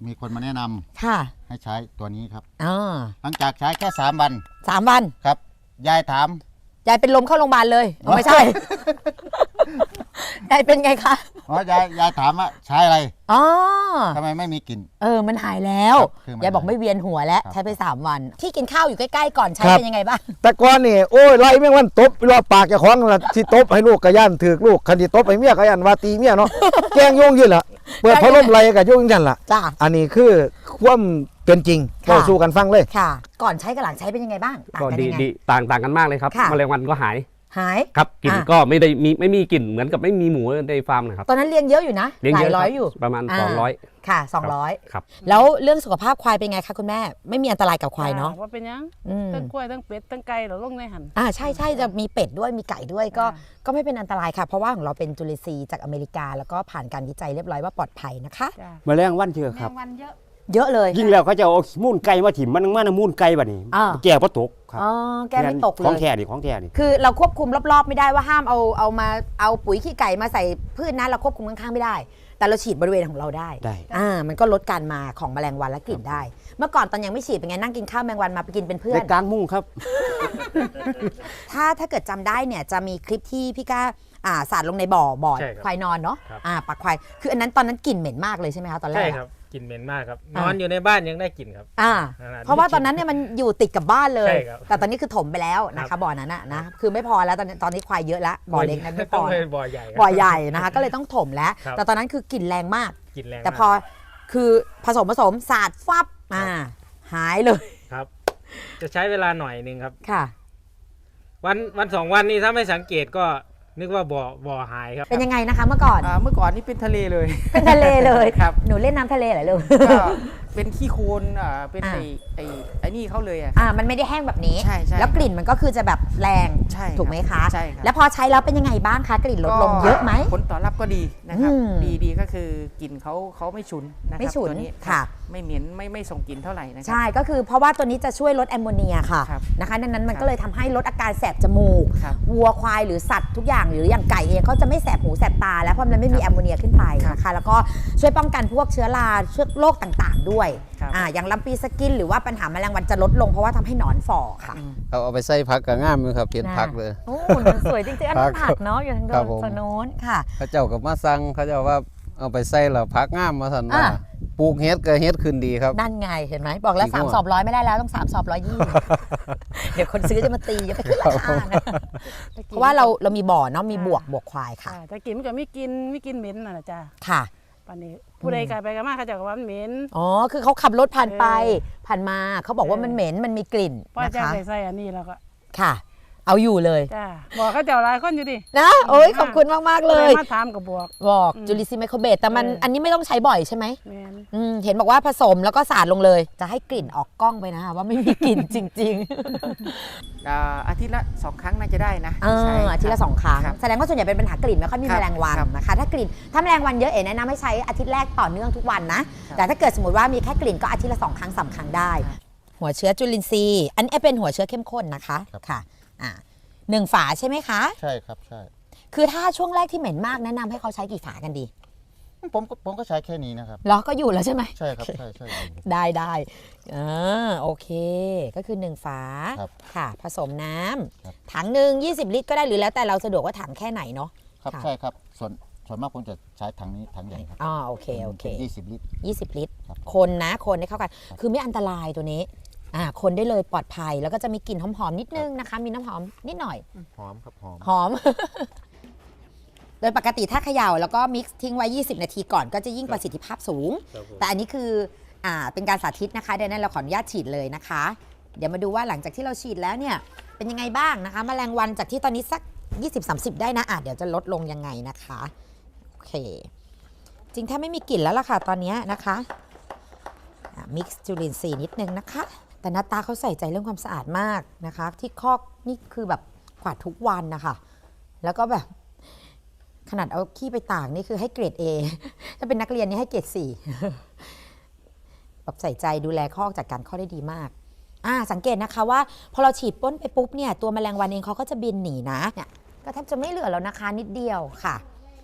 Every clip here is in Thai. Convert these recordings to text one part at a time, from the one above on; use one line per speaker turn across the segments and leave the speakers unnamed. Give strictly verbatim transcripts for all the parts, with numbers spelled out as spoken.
มีคนมาแนะนำ
ค่ะ
ให้ใช้ตัวนี้ครับ
อ๋อ
หลังจากใช้แค่สามวัน
สามวัน
ครับยายถาม
ยายเป็นลมเข้าโรงพยาบาลเลยไม่ใช่ ยายเป็นไงคะ
อ๋อยายยายถามว่าใช้อะไร
อ๋อ
ทำไมไม่มีกลิ่น
เออมันหายแล้วยายบอกไม่เวียนหัวแล้วใช้ไปสามวันที่กินข้าวอยู่ใกล้ๆก่อนใช้เป็นยังไงบ้าง
แต่ก่อนนี่โอ้ยไล่แม่งวันตบรอปากเจ้าของละที่ตบให้ลูกกระยันถือลูกคันที่ตบให้เมียกระยันว่าตีเมียเนาะแกงโยงยืนละเปิดพัดลมไล่กับโยงยันละ
จ้า
อันนี้คือความเป็นจริงเราสู้กันฟังเลย
ค่ะก่อนใช้กับหลังใช้เป็นยังไงบ้าง
ก็ดีดีต่างต่างกันมากเลยครับแมลงวันก็หาย
หาย
ครับกลิ่นก็ไม่ได้มีไม่มีกลิ่นเหมือนกับไม่มีหมูในฟาร์มนะครับ
ตอนนั้นเลี้ยงเยอะอยู่นะ
หลาย
ร้อยอยู่
ประมาณสองร้อย
ค่ะสองร้อย
ครับ
แล้วเรื่องสุขภาพควายเป็นไงคะคุณแม่ไม่มีอันตรายกับควายเนาะ
ว่าเป็นยังทั้งกล้วยทั้งเป็ดทั้งไก่เราลงในหัน
อ่าใช่ใช่จะมีเป็ดด้วยมีไก่ด้วยก็ก็ไม่เป็นอันตรายค่ะเพราะว่าของเราเป็นจุลินทรีย์จากอเมริกาแล้วก็ผ่านการวิจัยเรียบร้อยว่าปลอดภัยนะคะ
แมลงวันเชื่อครับ
วันเยอะ
เยอะเลย
ยิ่งแล้วเขาจะเอามูนไก่มาถิ่มมันมันมูนไก่แบบนี้แก่พอตกครับ
อ๋อแก้ไม่ตกเลย
ของแท้ดิของแท้ดิ
คือเราควบคุมรอบๆไม่ได้ว่าห้ามเอาเอามาเอาปุ๋ยขี้ไก่มาใส่พืชนะเราควบคุมข้างๆไม่ได้แต่เราฉีดบริเวณของเราได้
ได้
อ่ามันก็ลดการมาของแมลงวันและกลิ่นได้เมื่อก่อนตอนยังไม่ฉีดเป็นไงนั่งกินข้าวแมลงวันมาไปกินเป็นเพื่อน
ในกลางมุ้งครับ
ถ้าถ้าเกิดจำได้เนี่ยจะมีคลิปที่พี่ก้าอ่าสาดลงในบ่อบ่อควายนอนเนาะอ่าปักควายคืออันนั้นตอนนั้นกลิ่นเหม็นมากเลยใช่ไหมคะตอนแรก
ใช่ครับกลิ่นเหม็นมากครับนอนอยู่ในบ้านยังได้กลิ่นครับ
อ่าเพราะว่าตอนนั้นเนี่ยมันอยู่ติดกับบ้านเลยแต่ตอนนี้คือถมไปแล้วนะคะบ่อนั้นนะคือไม่พอแล้วตอนตอนนี้ควายเยอะแล้วบ่อเล็กนั้นไม่พอ
บ่อใหญ่
บ่อใหญ่นะคะก็เลยต้องถมแล้วแต่ตอนนั้นคือกลิ่นแรงมาก
กลิ่นแรง
แต่พอคือผสมผสมสาดฟับอ่าหายเลย
ครับจะใช้เวลาหน่อยนึงครับ
ค่ะ
วันวันสองวันนี้ถ้าไม่สังเกตก็นึกว่าบ่อบ่อหายครับ
เป็นยังไงนะคะเมื่อก่อน
เมื่อก่อนนี่เป็นทะเลเลย
เป็นทะเลเลย
ครับ
หนูเล่นน้ำทะเลเหรอลูก
ก็เป็นขี้โคลนอ่าเป็นไอ้ไอ้ไอ้นี่เขาเลยอ่ะ
อ่ามันไม่ได้แห้งแบบนี้
ใช่ใช่
แล้วกลิ่นมันก็คือจะแบบแรงถูกไหมคะ
ใช่ครับ
แล้วพอใช้แล้วเป็นยังไงบ้างคะกลิ่นลดลงเยอะไหม
ผลตอบรับก็ดีนะครับดีดีก็คือกลิ่นเขาเขาไม่ฉุนนะครับ
ไม่ฉุน
ตัวนี้
ค่ะ
ไม่เหม็นไม่ไม่ส่งกลิ่นเท่าไหร่นะครับ
ใช่ก็คือเพราะว่าตัวนี้จะช่วยลดแอมโมเนียค่ะนะคะดังนั้นมันก็เลยทำให้ลดอาการแสบจมูกวัวควายหรือสัตว์ทุกอย่างหรืออย่างไก่เองเขาจะไม่แสบหูแสบตาแล้วเพราะมันไม่มีแอมโมเนียขึ้นไปนะคะแล้วก็ช่วยป้องกันพวกเชื้อราเชื้อโรคต่างๆด้วยอ่าอย่างลำปีสกินหรือว่าปัญหาแมลงวันจะลดลงเพราะว่าทำให้หนอนฝ่อค่ะ
เอาเอาไปใส่ผักกับง่ามเลยครับเปลี่ยนผักเลย
โอ้มันสวยจริงๆอันนั้นผักเนาะอยู่ทางโน้นค่ะ
เขาเจ้ากับมาสั่งเขาเจ้าว่าเอาไปใส่แล้วผักง่ามมาสั่นว่าปลูกเฮ็ดก็เฮ็ดขึ้นดีครับ
นั่นไงเห็นไหมบอกแล้วสามสอบร้อยไม่ได้แล้วต้องสามสอบร้อยยี่เดี๋ยวคนซื้อจะมาตีจะไปขึ้นราคานะเพราะว่าเราเรามีบ่อเนาะมีบวกบวกควายค่ะ
แต่กินมันก็ไม่กินไม่กินเหม็นน่ะจ้า
ค่ะ
ปานนี้ผู้ใดกลายไปกันมากเขาจะว่ามันเหม็น
อ๋อคือเขาขับรถผ่านไปผ่านมาเขาบอกว่ามันเหม็นมันมีกลิ่น
นะคะใส่ใส่อันนี้แล้วก็
ค่ะเอาอยู่เลย
จ้าบอกเขาเจ้าหลายคนอยู่ดิ
นะโอ้ยขอบคุณมากมากเลย
มาถามกับบวก
บอกจุลินทรีย์ไมโครเบสแต่มันอันนี้ไม่ต้องใช้บ่อยใช่ไหมเห็นบอกว่าผสมแล้วก็สาดลงเลยจะให้กลิ่นออกกล้องไปนะคะว่าไม่มีกลิ่นจริง
ๆอาทิตย์ละสองครั้งน่าจะได้นะ
อาทิตย์ละสองครั้งแสดงว่าส่วนใหญ่เป็นปัญหากลิ่นไม่ค่อยมีแมลงวันนะคะถ้ากลิ่นถ้าแมลงวันเยอะเอ๋แนะนำให้ใช้อาทิตย์แรกต่อเนื่องทุกวันนะแต่ถ้าเกิดสมมติว่ามีแค่กลิ่นก็อาทิตย์ละสองครั้งสามครั้งได้หัวเชื้อจุลินทรีย์อันนี้เป็นหัวเชื้อเข้มข้นนะคะค่ะอ่าหนึ่งฝาใช่ไหมคะ
ใช่ครับใช่
คือถ้าช่วงแรกที่เหม็นมากแนะนำให้เขาใช้กี่ฝากันดี
ผมผมก็ใช้แค่นี้นะครับ
ล้อก็อยู่แล้วใช่ไหม
ใช่ครับใช่ใช่
ได้ได้อ่าโอเคก็คือหนึ่งฝาค่ะผสมน้ำถังหนึ่งยี่สิบลิตรก็ได้หรือแล้วแต่เราสะดวกว่าถังแค่ไหนเนาะ
ครับใช่ครับส่วนส่วนมากผมจะใช้ถังนี้ถังใหญ่ครับ
อ๋อโอเคโอเค
ยี่สิบลิตร
ยี่สิบลิตรคนนะคนให้เข้ากันคือไม่อันตรายตัวนี้อ่าคนได้เลยปลอดภัยแล้วก็จะมีกลิ่นหอมๆนิดนึงนะคะมีน้ำหอมนิดหน่อย
หอมครับหอม
หอม โดยปกติถ้าเขย่าแล้วก็มิกซ์ทิ้งไว้ยี่สิบนาทีก่อนก็จะยิ่งประสิทธิภาพสูงแต่อันนี้คืออ่าเป็นการสาธิตนะคะดังนั้นเราขออนุญาตฉีดเลยนะคะเดี๋ยวมาดูว่าหลังจากที่เราฉีดแล้วเนี่ยเป็นยังไงบ้างนะคะแมลงวันจากที่ตอนนี้สัก ยี่สิบถึงสามสิบ ได้นะอ่ะเดี๋ยวจะลดลงยังไงนะคะโอเคจริงถ้าไม่มีกลิ่นแล้วล่ะค่ะตอนนี้นะคะมิกซ์จุลินทรีย์นิดนึงนะคะแต่หน้าตาเขาใส่ใจเรื่องความสะอาดมากนะคะที่คอกนี่คือแบบกวาดทุกวันนะคะแล้วก็แบบขนาดเอาขี้ไปตากนี่คือให้เกรด A ถ้าเป็นนักเรียนนี่ให้เกรด สี่ แบบใส่ใจดูแลคอกจัดการคอกได้ดีมากอ่าสังเกตนะคะว่าพอเราฉีดพ่นไปปุ๊บเนี่ยตัวแมลงวันเองเขาก็จะบินหนีนะเนี่ยก็แทบจะไม่เหลือแล้วนะคะนิดเดียวค่ะ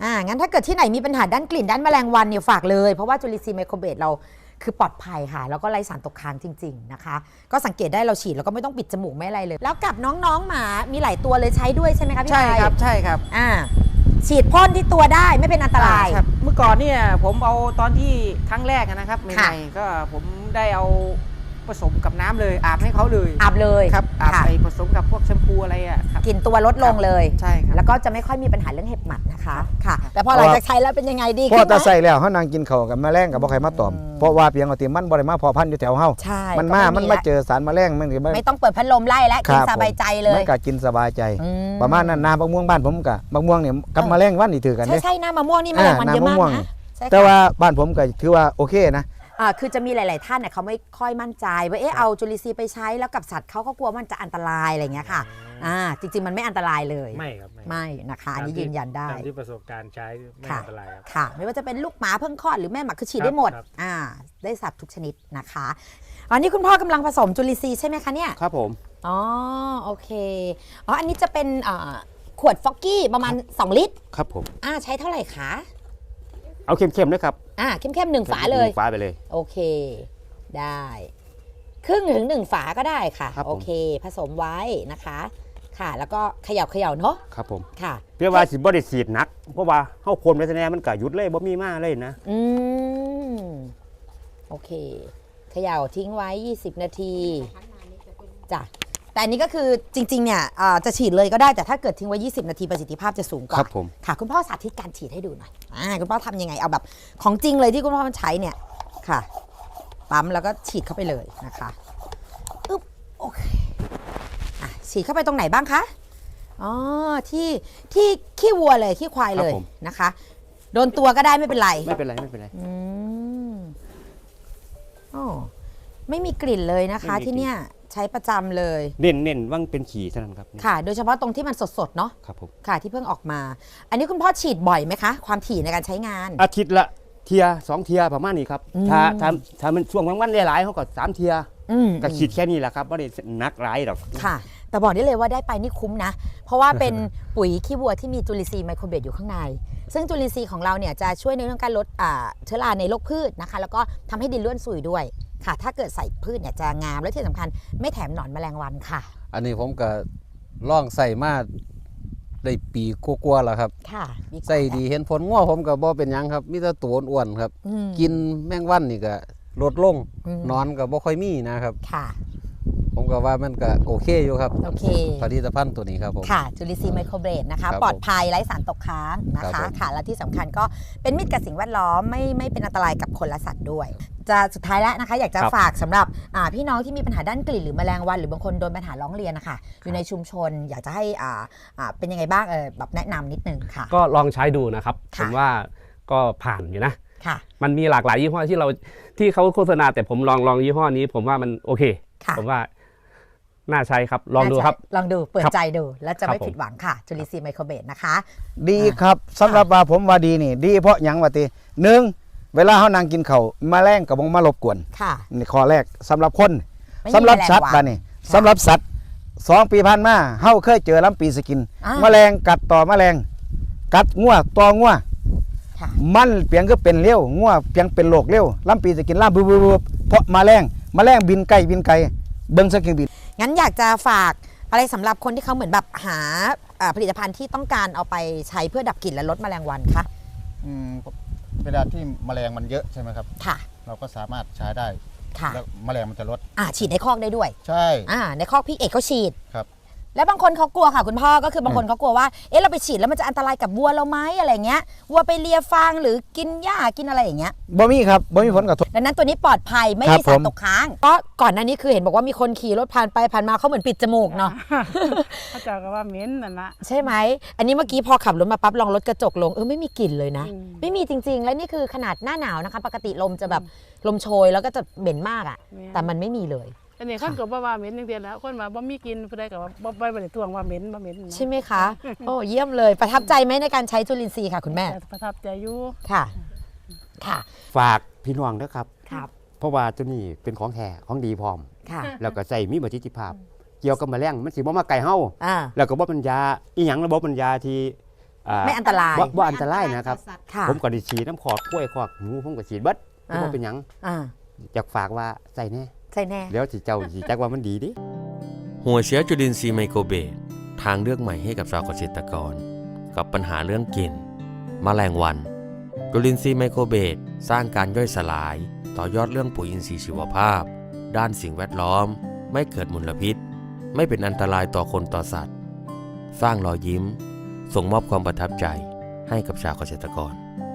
อ่างั้นถ้าเกิดที่ไหนมีปัญหาด้านกลิ่นด้านแมลงวันเนี่ยฝากเลยเพราะว่าจุลินทรีย์ไมโครเบสเราคือปลอดภัยค่ะแล้วก็ไร้สารตกค้างจริงๆนะคะก็สังเกตได้เราฉีดแล้วก็ไม่ต้องปิดจมูกไม่อะไรเลย แล้วกับน้องๆหมามีหลายตัวเลยใช้ด้วยใช่ไหมคะพี่
ใช่
ชัย
ครับใช่ครับ
อ่าฉีดพ่นที่ตัวได้ไม่เป็นอันตราย
ครับเมื่อก่อนเนี่ยผมเอาตอนที่ครั้งแรกนะครับให
ค่ะ
ม่ๆก็ผมได้เอาผสมกับน้ำเลยอาบให้เขาเลย
อาบเลย
ครับอาบ
ค่ะ
ไปผสมกับพวกแชมพูอะไรอ่ะครับ
กลิ่นตัวลดลงเลย
ใช่ครับ
แล้วก็จะไม่ค่อยมีปัญหาเรื่องเห็บหมัดนะคะค่ะ แต่พอ
เพ
หลั
ราะ
ง
ว่า
จากใช้แล้วเป็นยังไงดี
พอ
ขึ้นไห
ตาใส่
ม
แล้วเฮานางกินข้าวกับแมลงกับบ่ใครมาตอมเพราะว่าเพียงเอาติมันบ่ได้มาพอพันธุ์อยู่แถวเฮา
ใช่
มัน
ก็
มา
ไ
มันมาเจอสารแมลงมันก็
ไม่ต้องเปิดพัดลมไล่และ
ค
กิน
รับ
สบายใจเล
มั
ย
นก็กินสบายใจ
อืม
ประมาณนั้นน้ำบักม่วงบ้านผมก็บักม่วงเนี่ยกับ
เออ
แมลงวันนี่ถือกัน
ใช่
เด้
ใช่น้ำมะม่วงนี่แมลงวันเยอะมาก
น้ำมะม่วง
นะใช่ค่ะ
แต่ว่าบ้านผมก็ถือว่าโอเคนะ
อ่าคือจะมีหลาย ๆ ท่านเนี่ยเขาไม่ค่อยมั่นใจว่าเอ๊ะเอาจุลินทรีย์ไปใช้แล้วกับสัตว์เขาก็กลัวมันจะอันตรายอะไรอย่างเงี้ยค่ะอ่าจริง ๆ มันไม่อันตรายเลย
ไม่ครับไม่
ไม่นะคะอันนี้ยืนยันได้
ตามที่ประสบการณ์ใช้ไม่
ค่ะ
อันตรายครับ
ค่ะ ไม่ว่าจะเป็นลูกหมาเพิ่งคลอดหรือแม่หมาคือฉีด
ครับ
ได้หมด
ครับ
อ่าได้สัตว์ทุกชนิดนะคะอันนี้คุณพ่อกำลังผสมจุลินทรีย์ใช่ไหมคะเนี่ย
ครับผม
อ๋อโอเคอ๋ออันนี้จะเป็นอ่าขวดฟอกกี้ประมาณสองลิตร
ครับผม
อ่าใช้เท่าไหร่คะ
เอาเข้มๆด้วยครับ
อ่าเข้มๆหนึ่งฝาเลย
หนึ่งฝาไปเลย
โอเค ได้ครึ่งถึงหนึ่งฝาก็ได้ค่ะ
ครับผม
โอเค ผสมไว้นะคะ ค่ะ แล้วก็เขย่าเขย่าเนาะ
ครับผม
ค่ะ
เพื่อว่าสิบ่ได้สีดหนักเพราะว่าเฮาพ่นไว้ซะแน่มันก็หยุดเลยบ่มีมาเลยนะ
อืมโอเคเขย่าทิ้งไว้ ยี่สิบ นาทีจ้ะแต่อันนี้ก็คือจริงๆเนี่ยอ่าจะฉีดเลยก็ได้แต่ถ้าเกิดทิ้งไว้ ยี่สิบ นาทีประสิทธิภาพจะสูงก
ครั
ว่า
บผม
ค่ะ คุณพ่อสาธิตการฉีดให้ดูหน่อยอ่าคุณพ่อทำยังไงเอาแบบของจริงเลยที่คุณพ่อมันใช้เนี่ยค่ะปั๊มแล้วก็ฉีดเข้าไปเลยนะคะอึ๊บโอเคอ่ะฉีดเข้าไปตรงไหนบ้างคะอ๋อที่ที่ขี้วัวเลยขี้ควายเลยนะคะโดนตัวก็ได้ไม่เป็นไร
ไม่เป็นไรไม่เป็นไร
อืมโอ้ไม่มีกลิ่นเลยนะคะ
ไม่มีกลิ่น
ที่เนี่ยใช้ประจำเลย
เน้นเน้นว่างเป็นขี่เท่านั้นครับ
ค่ะ โดยเฉพาะตรงที่มันสดๆเนาะ
ครับผม
ค่ะที่เพิ่งออกมา อันนี้คุณพ่อฉีดบ่อยไหมคะ ความถี่ในการใช้งาน
อาทิตย์ละเทียสองเทียประมาณนี้ครับ
อืม
ถ้าถ้าถ้ามันช่วงวันๆหลายๆเขาก็สามเทีย
อืม
ก็ขีดแค่นี้แหละครับไม่ได้หนักหลายหรอก
ค่ะ แต่บอกได้เลยว่าได้ไปนี่คุ้มนะ เพราะว่าเป็นปุ๋ยขี้วัวที่มีจุลินทรีย์ไมโครเบสอยู่ข้างใน ซึ่งจุลินทรีย์ของเราเนี่ยจะช่วยในเรื่องการลดอ่าเชื้อราในโรคพืชนะคะ แล้วก็ทำให้ดินร่วนซุยด้วยค่ะ ถ้าเกิดใส่พืชเนี่ยจะงามและที่สำคัญไม่แถมหนอนแมลงวันค่ะ
อันนี้ผมก็ล่องใส่มาได้ปีกว่าๆแล้วครับ
ค่ะ
ใส่ดีเห็นผลง้อผมก็บ่เป็นหยังครับมีแต่ตัวอ้วนๆครับ
อืม
กินแมงวันนี่ก็ลดลง
อืม
นอนก็บ่ค่อยมีนะครับ
ค่ะ
ผมก็ว่ามันก็โอเคอยู่ครับ
โอเค
ผลิตภัณฑ์ตัวนี้ครับผม
ค่ะจุลินทรีย์ไมโครเบสนะคะ
ครับ
ปลอดภัยไร้สารตกค้างนะ
ครั
คะ
บผม
ค่ะและที่สำคัญก็เป็นมิตรกับสิ่งแวดล้อมไม่ไม่เป็นอันตรายกับคนและสัตว์ด้วย จะสุดท้ายแล้วนะคะ อยากจะ
ครับ
ฝากสำหรับอ่าพี่น้องที่มีปัญหาด้านกลิ่นหรือแมลงวันหรือบางคนโดนปัญหาร้องเรียนนะคะอยู่ในชุมชน อยากจะให้อ่าอ่าเป็นยังไงบ้างเออแบบแนะนำนิดนึงค่ะ
ก็ลองใช้ดูนะครับ ผ
ค่ะ
มว่าก็ผ่านอยู่นะ
ค่ะ
มันมีหลากหลายยี่ห้อที่เราที่เขาโฆษณาแต่ผมลองลองยี่ห้อนี้ ผมว่ามันโอเค
ค่ะ
ผมว่าน่าใช้ครับลองดูครับ
ลองดูเปิด
ครับ
ใจดูแล้วจะ
ครับ
ไม่
ผม
ผิดหวังค่ะจุลินทรีย์ไมโครเบสนะคะ
ดีครับสำหรับว่าผมว่าดีนี่ดีเพราะหยังว่าติหนึ่งเวลาเฮานั่งกินข้าวแมลงก็บ่มารบกวน
ค่ะ
นี่ข้อแรกสำหรับคน
ไม่มี
สำหรับ
แมลง
สัตว์
วัน
บ้านี่
ค่ะ
สำหรับสัตว์สองปีผ่านมาเฮาเคยเจอลำปีสกิน
อ่า
แมลงกัดต่อแมลง กัดงัวต่องัว
ค่ะ
มันเพียงก็เป็นเลี้ยวงัวเพียงเป็นโรคเลี้ยวลำปีสกินล่ามบึบๆๆเพราะแมลงแมลงบินไกลบินไกลเบิ่งสักเครื่องบิน
งั้นอยากจะฝากอะไรสำหรับคนที่เขาเหมือนแบบหาอ่าผลิตภัณฑ์ที่ต้องการเอาไปใช้เพื่อดับกลิ่นและลดแมลงวันคะ
อืมเวลาที่แมลงมันเยอะใช่ไหมครับ
ค่ะ
เราก็สามารถใช้ได้
ค่ะ
แล้วแมลงมันจะลด
อ่าฉีดในคอกได้ด้วย
ใช่
อ่าในคอกพี่เอกเขาฉีด
ครับ
แล้วบางคนเขากลัวค่ะคุณพ่อก็คือบางคนเขากลัวว่าเอ๊ะเราไปฉีดแล้วมันจะอันตรายกับวัวเราไหมอะไรเงี้ยวัวไปเลียฟางหรือกินหญ้ากินอะไรอย่างเงี้ย
บ่มีครับบ่มีผลกระทบ
ดังนั้นตัวนี้ปลอดภัยไม่
ครับ
มีสาร
ผม
ตกค้างก็ก่อนหน้านี้คือเห็นบอกว่ามีคนขี่รถผ่านไปผ่านมาเขาเหมือนปิดจมูกเนาะ
เขาเจ้าก็ว่าเหม็นนั่นละ
ใช่ไหม อันนี้เมื่อกี้พอขับรถมาปั๊บลองลดกระจกลงเออไม่มีกลิ่นเลยนะ
อืม
ไม่มีจริง ๆ แล้วนี่คือขนาดหน้าหนาวนะคะ ปกติลมจะแบบลมโชยแล้วก็จะเหม็นมากอะ่ะ แต่มันไม่มีเลย
อันนี้คนก็บ่ว่าเหม็นจังซี่แหล้วคนว่าบ่มีกินผู้ใดก็ว่าบ่บ่บ่ได้ทวงว่าเหม็นบ่เหม็นนะ
ใช่ไหมคะ โอ้เยี่ยมเลย ประทับใจไหมในการใช้จุลินทรีย์ค่ะคุณแม่
แต่ประทับใจอยู่
ค่ะ ค่ะ
ฝากพี่น้องด้วยครับ
ครับ
เพราะว่าตัวนี้เป็นของแท้ของดีพร้อม
ค่ะ
แล้วก็ใส่มีประสิทธิภาพ เกี่ยวกับแมลงมันสิบ่มาไก่เฮา
อ่า
แล้วก็บ่เป็นยาอีหยังระบบเป็นยาที่อ่า
ไม่อันตราย
บ่บ่อันตรายนะครับ
ค่ะ
ผมก็ได้ฉีดน้ำขอดกล้วยขอดหมูผมก็ฉีดเบิด
อ่า
บ่เป็นหยัง
อ่า
อยากฝากว่าใส่แน่
ใช่แน่
แล้วสิเจ้าสิจักว่ามันดีดิ
หัวเชื้อจุลินทรีย์ไมโครเบสทางเลือกใหม่ให้กับชาวเกษตรกร กับปัญหาเรื่องกลิ่นแมลงวันจุลินทรีย์ไมโครเบสสร้างการย่อยสลาย ต่อยอดเรื่องปุ๋ยอินทรีย์ชีวภาพ ด้านสิ่งแวดล้อม ไม่เกิดมลพิษ ไม่เป็นอันตรายต่อคนต่อสัตว์ สร้างรอยยิ้ม ส่งมอบความประทับใจให้กับชาวเกษตรกร